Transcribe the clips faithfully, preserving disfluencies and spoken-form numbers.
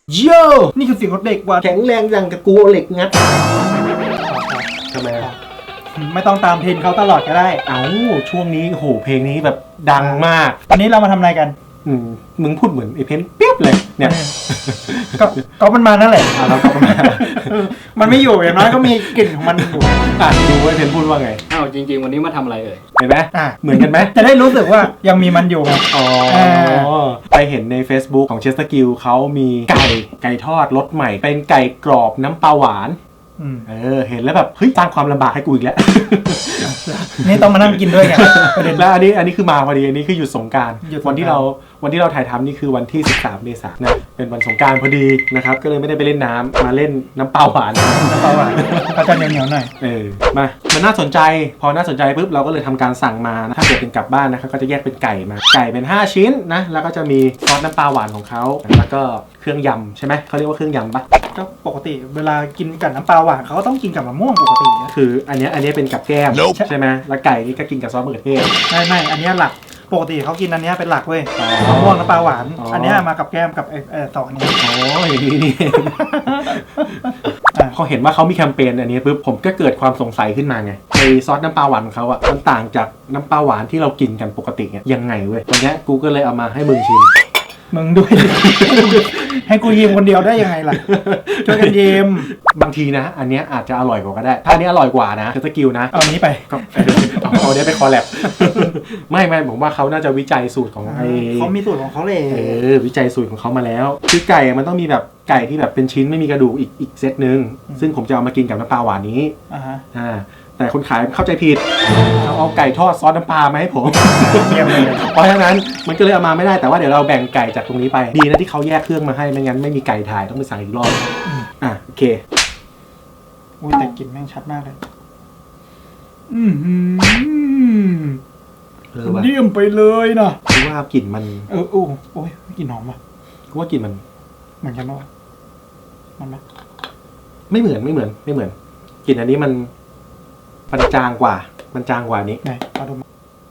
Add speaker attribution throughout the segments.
Speaker 1: โยนี่คือเสียงรถเด็กว่ะ
Speaker 2: แข็งแรงอย่างกับกูเหล็กงัดทำไมอ่ะ
Speaker 1: ไม่ต้องตามเทรนเขาตลอดก็ได้
Speaker 2: เอ้าช่วงนี้โหเพลงนี้แบบดังมาก
Speaker 1: วันนี้เรามาทำอะไรกัน
Speaker 2: อืมมึงพูดเหมือนไอ้เพนเปี๊ยบเลยเนี่ย
Speaker 1: ก็ก็มันมานั่นแหละ
Speaker 2: อ่ะเราก็มา
Speaker 1: มันไม่อยู่อย่างน้อยก็มีกลิ่นของมันอยู่
Speaker 2: อ่ะดูว่าเพนพูดว่าไง
Speaker 3: อ้าวจริงๆวันนี้มาทำอะไรเอ่ย
Speaker 2: เห็นไหม
Speaker 1: อ่ะ
Speaker 2: เหมือนกันไหม
Speaker 1: จะได้รู้สึกว่ายังมีมันอยู่ไง
Speaker 2: อ๋อ
Speaker 1: เอ
Speaker 2: ไปเห็นใน Facebook ของเชสเตอร์กิลเขามีไก่ไก่ทอดรสใหม่ เป็นไก่กรอบน้ำปลาหวาน
Speaker 1: อืม
Speaker 2: เออเห็นแล้วแบบเฮ้ยสร้างความลำบากให้กูอีกแล้ว
Speaker 1: นี่ต้องมานั่งกินด้วยไงประเด็น
Speaker 2: แล้วอันนี้อันนี้คือมาพอดีอันนี้คือหยุดสงกรานต์
Speaker 1: หยุดสงกรานต์
Speaker 2: วันที่เราวันที่เราถ่ายทำนี่คือวันที่สิบสามเมษายนนะเป็นวันสงกรานต์พอดีนะครับก็เลยไม่ได้ไปเล่นน้ำมาเล่นน้ำเปล่าหวาน
Speaker 1: น้ำปลาหวานเขาจะเหนียวๆหน่อย
Speaker 2: เออมามันน่าสนใจพอน่าสนใจปุ๊บเราก็เลยทำการสั่งมานะถ้าเกิดเป็นกลับบ้านนะครับก็จะแยกเป็นไก่มาไก่เป็นห้าชิ้นนะแล้วก็จะมีซอสน้ำปลาหวานของเขาแล้วก็เครื่องยำใช่ไหมเขาเรียกว่าเครื่องยำปะ
Speaker 1: ก็ปกติเวลากินกับน้ำปลาหวานเขาก็ต้องกินกับมะม่วงปกตินะ
Speaker 2: คืออันเนี้ยอันเนี้ยเป็นกับแก้ม
Speaker 1: Nope
Speaker 2: ใช่ไหมแล้วไก่นี่ก็กินกับซอสมะเขือเทศ
Speaker 1: ไม่ไม่อันเนี้ยหลักปกติเขากินอันเนี้ยเป็นหลักเว้ย
Speaker 2: อ๋อ
Speaker 1: มะม่วงน้ำปลาหวาน
Speaker 2: อ๋ออั
Speaker 1: อันเนี้ยมากับแก้มกับไอ้ไอ้สองอันนี้
Speaker 2: อ๋ออย่างนี้นี่เอง
Speaker 1: อ่ะ
Speaker 2: พอเห็นว่าเขามีแคมเปญอันนี้ปุ๊บผมก็เกิดความสงสัยขึ้นมาไงไอซอสน้ำปลาหวานของเขาอ่ะมันต่างจากน้ำปลาหวานที่เรากินกันปกติเนี่ยยังไงเว้ยวันเนี้ยกูก็เลยเอามาให้มึงชิม
Speaker 1: มึงด้วย ให้กูยิ้มคนเดียวได้ยังไงล่ะช่วยกันยิ้ม
Speaker 2: บางทีนะ อันเนี้ยอาจจะอร่อยกว่าก็ได้ ถ้าอันนี้อร่อยกว่านะคือสกิลนะ
Speaker 1: เอาอันนี้ไป
Speaker 2: ก็เอาเอาเนี้ยไปคอลแลบ ไม่ไม่ผมว่าเขาน่าจะวิจัยสูตรของไอ
Speaker 1: เขามีสูตรของเขาเลย
Speaker 2: เออวิจัยสูตรของเขามาแล้วคือไก่มันต้องมีแบบไก่ที่แบบเป็นชิ้นไม่มีกระดูกอีกอีกเซตหนึ่งซึ่งผมจะเอามากินกับน้ำปลาหวานนี้
Speaker 1: อ่าฮะ
Speaker 2: อ่าแต่คนขายเข้าใจผิดเขาเอาไก่ทอดซอสน้ำปลามาให้ผม
Speaker 1: เยี่ยมเลย
Speaker 2: เพราะฉะนั้นมันก็เลยเอามาไม่ได้แต่ว่าเดี๋ยวเราแบ่งไก่จากตรงนี้ไปดีนะที่เขาแยกเครื่องมาให้ไม่งั้นไม่มีไก่ถ่ายต้องไปสั่งอีกรอบอ่ะโอเค
Speaker 1: อุ้ยแต่กลิ่นแม่งชัดมากเลย อืมหืม
Speaker 2: เออว่ะ
Speaker 1: เยี่ยมไปเลยนะ
Speaker 2: คือว่ากลิ่นมัน
Speaker 1: เออโอ้โอ้ยกลิ่นหอมว่ะ
Speaker 2: กูว่ากลิ่นมัน
Speaker 1: เหมือนกันปะวะมันไหม
Speaker 2: ไม่เหมือนไม่เหมือนไม่เหมือนกลิ่นอันนี้มันมันจางกว่า มันจางกว่านี้
Speaker 1: ไหนมาดูมา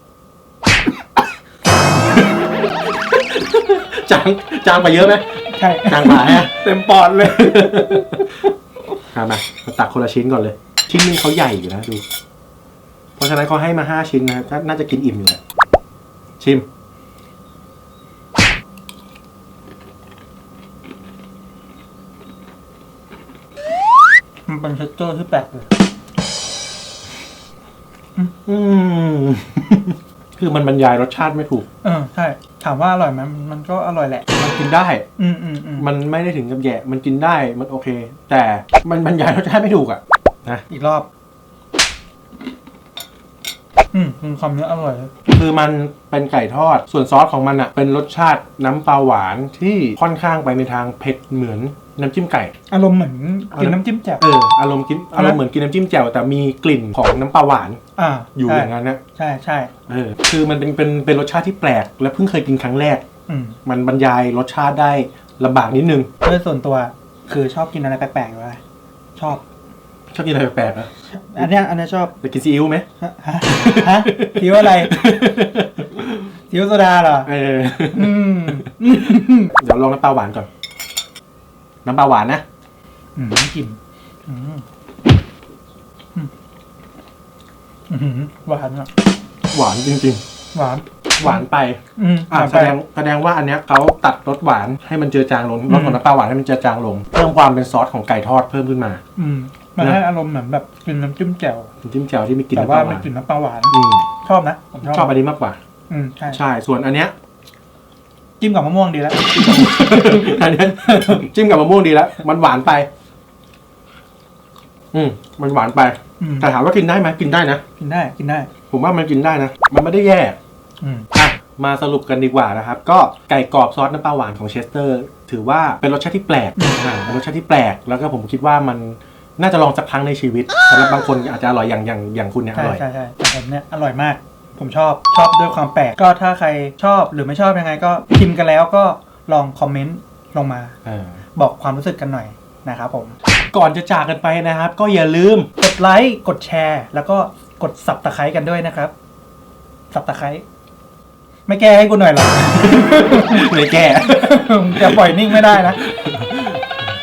Speaker 2: จางจางกว่าเยอะไหม
Speaker 1: ใช่
Speaker 2: จางกว่าฮะ
Speaker 1: เต็มปอดเลย
Speaker 2: มามามาตักคนละชิ้นก่อนเลย ชิ้นนึงเขาใหญ่อยู่นะดู เพราะฉะนั้นเขาให้มาห้าชิ้นนะก็น่าจะกินอิ่มอยู่แหละชิม
Speaker 1: มันเป็นเทคเจอร์ที่แปลกเลย
Speaker 2: อืม คือมันบรรยายรสชาติไม่ถูก
Speaker 1: เออใช่ ถามว่าอร่อยไหมมันก็อร่อยแหละ
Speaker 2: มันกินได้
Speaker 1: อืมอืมอืม
Speaker 2: มันไม่ได้ถึงกับแย่ มันกินได้ มันโอเค แต่มันบรรยายรสชาติไม่ถูกอ่ะ นะ
Speaker 1: อีกรอบ อืมคือความเนื้ออร่อยเลย
Speaker 2: คือมันเป็นไก่ทอด ส่วนซอสของมันอ่ะ เป็นรสชาติน้ำปลาหวานที่ค่อนข้างไปในทางเผ็ดเหมือนน้ำจิ้มไก่
Speaker 1: อารมณ์เหมือนกินน้ำจิ้มแจ่ว
Speaker 2: เออ อารมณ์กิน อารมณ์เหมือนกินน้ำจิ้มแจ่วแต่มีกลิ่นของน้ำปลาหวาน
Speaker 1: อ่า
Speaker 2: อยู่
Speaker 1: ใช่
Speaker 2: อย่างนั้นนะ
Speaker 1: ใช่ใช่
Speaker 2: เออ คือมันเป็นเป็นเป็นรสชาติที่แปลก และเพิ่งเคยกินครั้งแรก
Speaker 1: อืม
Speaker 2: มันบรรยายรสชาติได้ลำบากนิดนึง
Speaker 1: โดยส่วนตัวคือชอบกินอะไรแปลกๆอยู่เลยชอบ
Speaker 2: ชอบกินอะไรแปลกๆนะ
Speaker 1: อันเนี้ยอันเนี้ยชอบ
Speaker 2: จะกินซีอิ๊วไหม
Speaker 1: ฮะฮะฮะซีอิ๊วอะไรซีอิ๊วโซดาเหรอ
Speaker 2: เออ
Speaker 1: อืม
Speaker 2: เดี๋ยวลองน้ำปลาหวานก่อน น้ำปลาหวานนะ
Speaker 1: อืมกลิ่นอืมอืมอืมหวานอ่ะ
Speaker 2: หวานจริง
Speaker 1: หวาน
Speaker 2: ๆ หวานไป
Speaker 1: อืม
Speaker 2: อ่า
Speaker 1: หวาน
Speaker 2: แส
Speaker 1: ไป
Speaker 2: ดงแสดงว่าอันเนี้ยเขาตัดรสหวานให้มันเจือจางลงรสของน้ำปลาหวานให้มันเจือจางลง เพิ่มความเป็นซอสของไก่ทอดเพิ่มขึ้นมา
Speaker 1: อืมมันให้อารมณ์เหมือนแบบกินน้ำจิ้มแจ่ว
Speaker 2: น้ำจิ้มแจ่วที่มีกลิ่น
Speaker 1: แต่
Speaker 2: น้ำป
Speaker 1: ว่า
Speaker 2: ลาห
Speaker 1: ไม่
Speaker 2: วาน
Speaker 1: กลิ่นน้ำปลาหวาน
Speaker 2: อืม
Speaker 1: ชอบนะผมชอบ
Speaker 2: ชอบอันนี้มากกว่า
Speaker 1: อืมใช่
Speaker 2: ใช่ ส่วนอันเนี้ย
Speaker 1: จิ้มกับมะม่วงดีแล้ว
Speaker 2: อันเนี้ย จิ้มกับมะม่วงดีแล้ว มันหวานไป อืม มันหวานไป
Speaker 1: อืม
Speaker 2: แต่ถามว่ากินได้ไหมกินได้นะ
Speaker 1: กินได้กินได้
Speaker 2: ผมว่ามันกินได้นะ มันไม่ได้แย่
Speaker 1: อืม
Speaker 2: อ่ะ มาสรุปกันดีกว่านะครับ ก็ไก่กรอบซอสน้ำปลาหวานของเชสเตอร์ ถือว่าเป็นรสชาติที่แปลกอ่าเป็นรสชาติที่แปลก แล้วก็ผมคิดว่ามันน่าจะลองสักครั้งในชีวิตสำหรับบางคนอาจจะอร่อยอย่างอย่างอย่างคุณเนี่ยอ
Speaker 1: ใช่
Speaker 2: ร่อย
Speaker 1: ใช่ใช่แต่ผมเนี่ยอร่อยมาก ผมชอบชอบด้วยความแปลกก็ถ้าใครชอบหรือไม่ชอบยังไงก็พิมพ์กันแล้วก็ลองคอมเมนต์ลงมา
Speaker 2: เออ
Speaker 1: บอกความรู้สึกกันหน่อยนะครับผม
Speaker 2: ก่อนจะจากกันไปนะครับ ก็อย่าลืม
Speaker 1: กดไลค์กดแชร์ แล้วก็กดสับตะไคร้กันด้วยนะครับสับตะไคร้ไม่แก้ให้กูหน่อยเหรอ
Speaker 2: เลยแก้
Speaker 1: จะปล่อยนิ่งไม่ได้นะ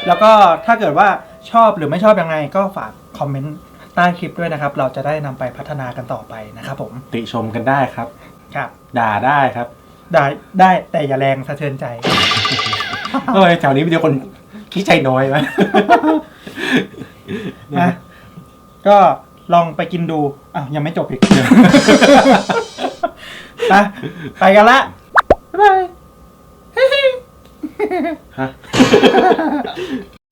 Speaker 1: แล้วก็ถ้าเกิดว่าชอบหรือไม่ชอบยังไงก็ฝากคอมเมนต์ใต้คลิปด้วยนะครับ เราจะได้นำไปพัฒนากันต่อไปนะครับผม
Speaker 2: ติชมกันได้ครับ
Speaker 1: ครับ
Speaker 2: ด่าได้ครับ
Speaker 1: ได้ได้แต่อย่าแรงสะเทือนใจ
Speaker 2: เอ้ยแถวนี้มีแต่คนขี้ใจน้อยไหม
Speaker 1: นะก็ลองไปกินดูอ้าวยังไม่จบอีก ไปไปกันละบ๊ายบาย
Speaker 2: ฮะ